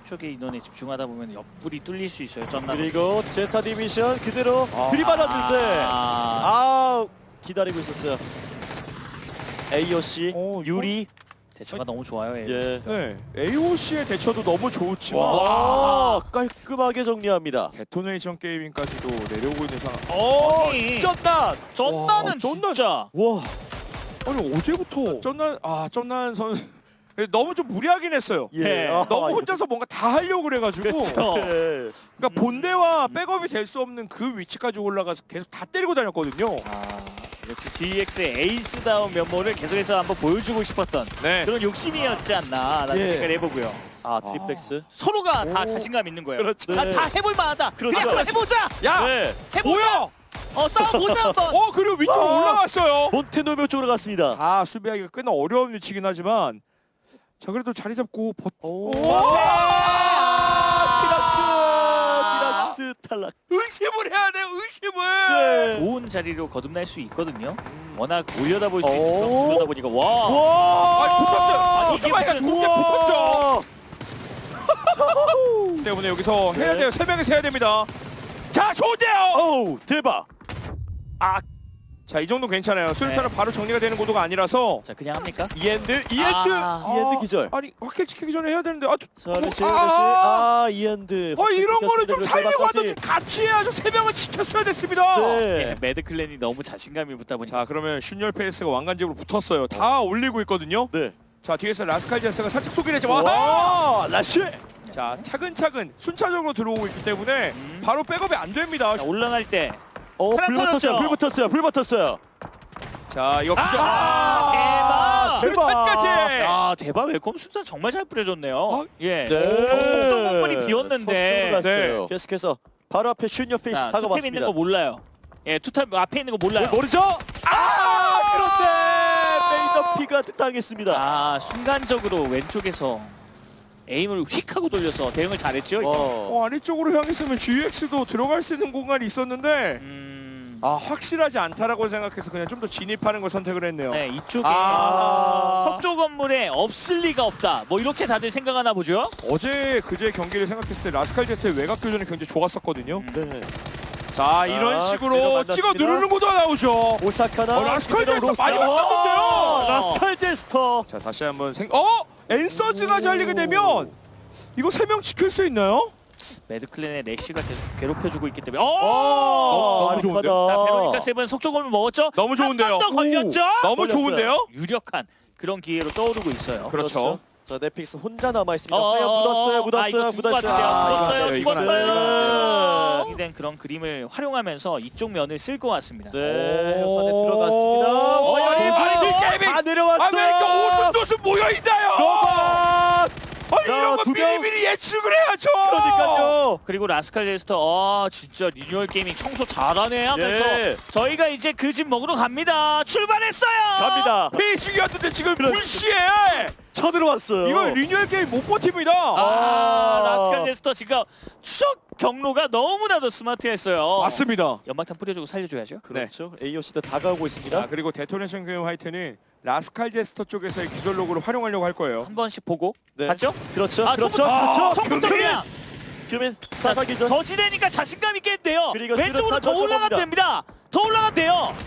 한쪽의 인원에 집중하다 보면 옆구리 뚫릴 수 있어요. 쩐나. 그리고 제타 디미션 그대로 들이받았는데 기다리고 있었어요. AOC 유리 대처가 너무 좋아요. 예. 네, AOC의 대처도 너무 좋지만 와 깔끔하게 정리합니다. 데토네이션 게이밍까지도 내려오고 있는 상황. 아니, 쩐다. 쩐나는 진짜. 와 아니 어제부터 쩐난 선수 너무 좀 무리하긴 했어요. 예. 너무 혼자서 뭔가 다 하려고 그래가지고 그렇죠. 예. 그러니까 본대와 백업이 될 수 없는 그 위치까지 올라가서 계속 다 때리고 다녔거든요. 역시 GX의 에이스다운 면모를 계속해서 한번 보여주고 싶었던 네. 그런 욕심이었지 않나라는 예. 생각을 해보고요. 트리플렉스. 서로가 다 오. 자신감 있는 거예요. 그렇죠. 다, 네. 다 해볼 만하다. 그렇죠. 그냥 한번 해보자. 야, 네. 해보자. 뭐야? 싸워보자 한번. 그리고 위쪽으로 올라왔어요. 몬테노묘 쪽으로 갔습니다. 수비하기가 꽤나 어려운 위치긴 하지만 자 그래도 자리 잡고 디락스 탈락. 의심을 해야 돼요. 의심을. 좋은 자리로 거듭날 수 있거든요. 워낙 올려다볼 수 있는 그러다 보니까 와. 와. 붙었어요. 아니, 이게 오토바이가 무슨- 두개 붙었죠. 때문에 여기서 해야 네. 돼요. 3명이서 해야 됩니다. 자, 좋은데요. 오 대박. 자, 이 정도 괜찮아요. 수류탄은 바로 정리가 되는 구도가 아니라서. 자 그냥 합니까? 이엔드 아. 기절. 아니, 확킬 지키기 전에 해야 되는데. 자 레시 이엔드. 이런 거는 좀 살려고 마지막까지. 하든지 같이 해야죠. 3명은 지켰어야 됐습니다. 네. 매드 클랜이 너무 자신감이 붙다 보니까 자, 그러면 슌열 페이스가 왕관집으로 붙었어요. 다 올리고 있거든요. 네. 자, 뒤에서 라스칼 제스가 살짝 쏘긴 했지만 와 라시. 자, 차근차근 순차적으로 들어오고 있기 때문에 바로 백업이 안 됩니다. 자, 올라갈 때 불 터졌죠. 붙었어요. 자, 이거 대박! 수류탄까지. 대박 웰컴 순서 정말 잘 뿌려줬네요. 예. 네. 어떤 건물이 비었는데 네. 계속해서 바로 앞에 슈니어 페이스 투템 있는 다가왔습니다. 거 몰라요. 예, 투템 앞에 있는 거 몰라요. 모르죠? 그런데 메이더피가 당했습니다. 순간적으로 왼쪽에서 에임을 휙 하고 돌려서 대응을 잘했죠. 아래쪽으로 향했으면 GX도 들어갈 수 있는 공간이 있었는데 확실하지 않다라고 생각해서 그냥 좀 더 진입하는 걸 선택을 했네요. 네, 이쪽에 아. 석조 건물에 없을 리가 없다. 뭐 이렇게 다들 생각하나 보죠. 그제 경기를 생각했을 때 라스칼 제스트의 외곽 교전이 굉장히 좋았었거든요. 네. 자, 이런 그대로 식으로 만났습니다. 찍어 누르는 것도 나오죠. 오사카나 라스칼 제스터 로스터. 많이 만났는데요. 라스칼 제스터. 자, 다시 한번 엔서즈가 잘리게 되면 이거 3명 지킬 수 있나요? 매드 클랜의 래쉬가 계속 괴롭혀주고 있기 때문에 너무 좋은데요? 자, 베로니카 세븐 석조 건물 먹었죠. 너무 좋은데요. 한 번 더 걸렸죠. 너무 걸렸어요. 좋은데요? 유력한 그런 기회로 떠오르고 있어요. 그렇죠. 자 넷픽스 혼자 남아 있습니다. 이거 묻었어요. 죽은 것 같은데요. 묻었어요. 이건 안 돼요. 죽었어요. 된 그런 그림을 활용하면서 이쪽 면을 쓸 것 같습니다. 네, 선에 들어갔습니다. 게이밍! 다 내려왔어요. 왜 이렇게 오순도순 모여있나요? 로봇. 이런 거 두 명. 미리미리 예측을 해야죠. 그러니까요. 그리고 라스칼 제스터 진짜 리뉴얼 게이밍 청소 잘하네 하면서 예. 저희가 이제 그 집 먹으러 갑니다. 출발했어요. 갑니다. 페이싱이었는데 지금 그렇죠. 불시에 쳐들어왔어요. 이거 리뉴얼 게임 못 버팁니다. 라스칼 제스터 지금 추적 경로가 너무나도 스마트했어요. 맞습니다. 연막탄 뿌려주고 살려줘야죠. 그렇죠. AOC도 다가오고 있습니다. 자, 그리고 데토네이션 게임 화이트는 라스칼 제스터 쪽에서의 기절 로그를 활용하려고 할 거예요. 한 번씩 보고 네. 봤죠? 그렇죠. 처음부터 그냥 규민 사사기전. 더 지대니까 자신감 있게 했대요. 그리고 왼쪽으로 더 수류탄 올라가면 던져봅니다. 됩니다. 더 올라가면 돼요.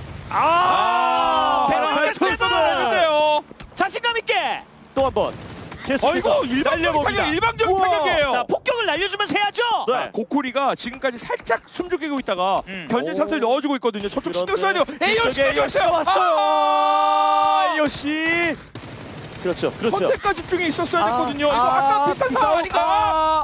베로니카 세븐 했는데요. 자신감 있게. 또 한 번. 계속해서 날려봅니다. 일방적인 우와. 타격이에요. 자, 폭격을 날려주면서 해야죠. 네. 고쿠리가 지금까지 살짝 숨죽이고 있다가 견제 샷을 넣어줘고 있거든요. 저쪽 신경 써야 돼요. 뒤쪽에 AOC가 왔어요. AOC. 그렇죠. 선택과 집중이 있었어야 됐거든요. 이거 아까 비슷한 상황 아닌가?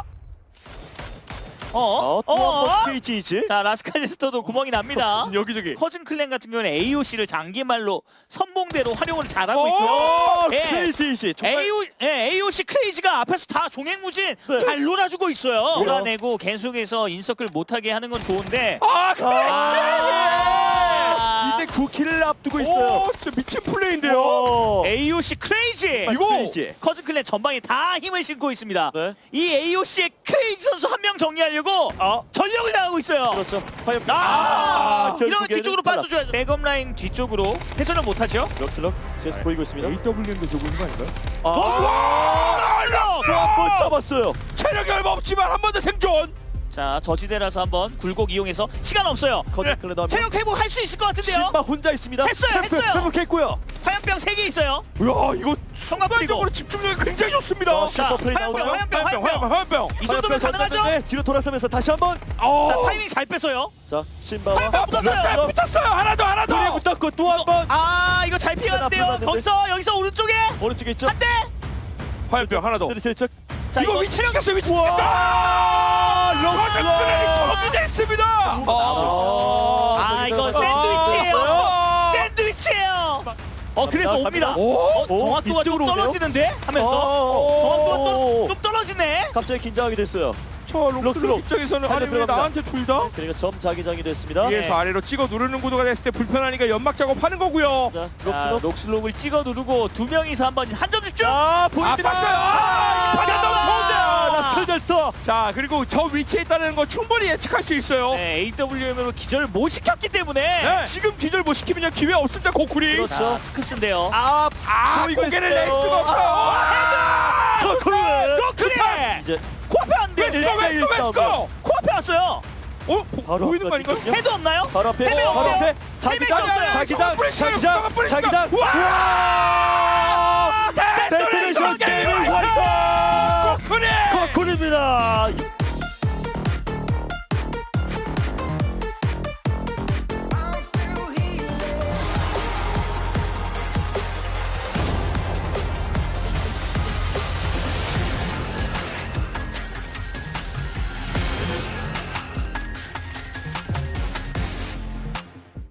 또한번 KGG. 자, 라스칼 제스터도 구멍이 납니다. 여기저기. 커즌 클랜 같은 경우는 AOC를 장기말로 선봉대로 활용을 잘하고 있고요. 예. KGG. 정말 AOC 크레이지가 앞에서 다 종횡무진 네. 잘 놀아주고 있어요. 몰아내고 계속해서 인서클 못하게 하는 건 좋은데 이제 9킬을 앞두고 있어요. 진짜 미친 플레이인데요. AOC 크레이지! 이거 크레이지. 커즌 클랜 전방에 다 힘을 싣고 있습니다. 네. 이 AOC의 크레이지 선수 한 명 정리하려고 전력을 다하고 있어요. 그렇죠. 과연 이러면 결국에는 뒤쪽으로 빠져줘야죠. 백업 라인 뒤쪽으로 회전을 못하죠. 럭슬럭 계속 보이고 있습니다. AWM도 저거 있는 거 아닌가요? 또한번 잡았어요. 체력이 얼마 없지만 한 번 더 생존. 자 저지대라서 한번 굴곡 이용해서 시간 없어요. 거듭 클레더 체력 회복할 수 있을 것 같은데요. 신바 혼자 있습니다. 했어요, 챔프 했어요. 회복했고요. 화염병 3개 있어요. 야 이거 성광 뿌리고. 순간적으로 집중력이 굉장히 좋습니다. 자, 자 슈퍼 플레이 화염병 나오나요? 화염병. 이 정도면 가능하죠? 뒤로 돌아서면서 다시 한번. 자, 타이밍 잘 뺐어요. 자 신바와 화염병 붙었어요. 붙었어요. 하나 더. 둘이 붙었고 또 한 번. 아 이거 잘 피하는데요. 나쁘는데. 거기서 여기서 오른쪽에 오른쪽에 있죠. 한 대. 화염병 하나 더. 슬슬쩍. 자 이거 위치 찍혔어. 위치 찍혔어. 와 럭스플레이 정리됐습니다. 아 이거 샌드위치예요. 샌드위치예요. 그래서 갑니다, 옵니다. 갑니다. 오. 정확도가 좀 이쪽으로 오네요? 떨어지는데 하면서 정확도가 좀 떨어지네. 갑자기 긴장하게 됐어요. 저 록슬록 록슬록. 입장에서는 달려 아니 왜 들어갑니다. 나한테 둘 다? 그러니까 점 자기장이 됐습니다. 예. 위에서 아래로 찍어 누르는 구도가 됐을 때 불편하니까 연막 작업하는 거고요. 자, 자, 록슬록. 녹슬록을 찍어 누르고 두 명이서 한번 한 점 집중. 아 보입니다. 봤어요. 이 판단 너무 좋은데요. 라스칼저스터. 자 그리고 저 위치에 있다는 거 충분히 예측할 수 있어요. 네, AWM으로 기절을 못 시켰기 때문에. 네, 지금 기절 못 시키면 기회 없습니다 고쿠리. 그렇죠. 자, 스크스인데요. 보이고 고개를 있어요. 낼 수가 없어요. 노크리. 이제 코앞에 왔는데요. 웨스코. 코앞에 왔어요. 바로 보이는 거 아닌가요? 헤드 없나요? 바로 앞에 헤매 바로 없어요. 앞에 헤매가 없어요. 자기장 뿌리세요. 자기장 뿌리세요. 자기장. 우와!